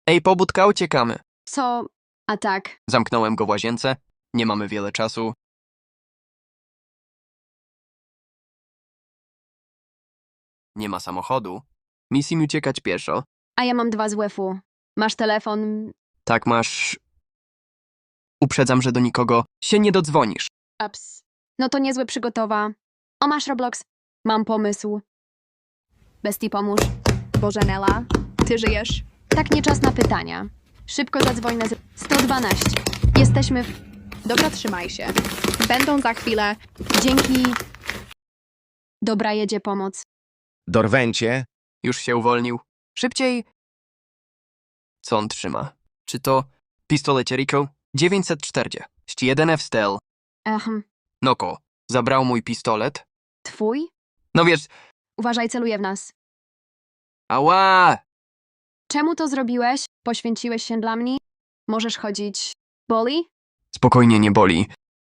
Ej, pobudka, uciekamy. Co? A tak. Zamknąłem go w łazience. Nie mamy wiele czasu. Nie ma samochodu. Musimy uciekać pieszo. A ja mam 2 z WF-u. Masz telefon? Tak masz... Uprzedzam, że do nikogo się nie dodzwonisz. Ups. No to niezłe przygotowa. O, masz Roblox? Mam pomysł. Bestii, pomóż. Bożenela, ty żyjesz? Tak, nie czas na pytania. Szybko zadzwoń na 112. Jesteśmy w... Dobra, trzymaj się. Będą za chwilę. Dzięki... Dobra, jedzie pomoc. Dorwęcie, Już się uwolnił. Szybciej! Co on trzyma? Czy to pistolet Jericho? 941 F-Stel. Noko, zabrał mój pistolet. Twój? No wiesz, Uważaj, celuje w nas. ała! Czemu to zrobiłeś? Poświęciłeś się dla mnie? Możesz chodzić... Boli? Spokojnie, nie boli.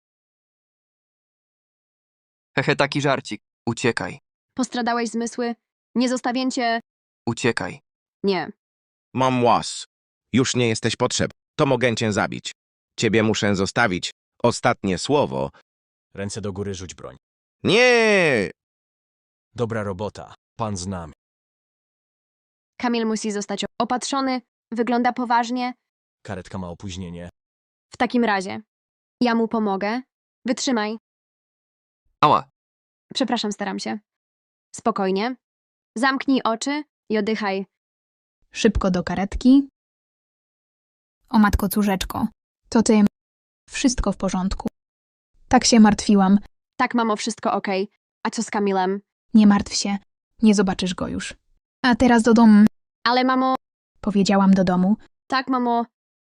Hehe, taki żarcik. Uciekaj, Postradałeś zmysły? Nie zostawię cię... uciekaj. Nie. mam łas. Już nie jesteś potrzebny. To mogę cię zabić. Ciebie muszę zostawić. Ostatnie słowo. Ręce do góry, rzuć broń. Nie! Dobra robota. Pan z nami. Kamil musi zostać opatrzony. Wygląda poważnie. Karetka ma opóźnienie. W takim razie. Ja mu pomogę. Wytrzymaj. Ała, Przepraszam, staram się. Spokojnie. Zamknij oczy i oddychaj. Szybko do karetki. O matko córzeczko, to ty. Wszystko w porządku. Tak się martwiłam. Tak, mamo, wszystko okej. A co z Kamilem? Nie martw się. Nie zobaczysz go już. A teraz do domu. Ale mamo... Powiedziałam do domu. Tak, mamo.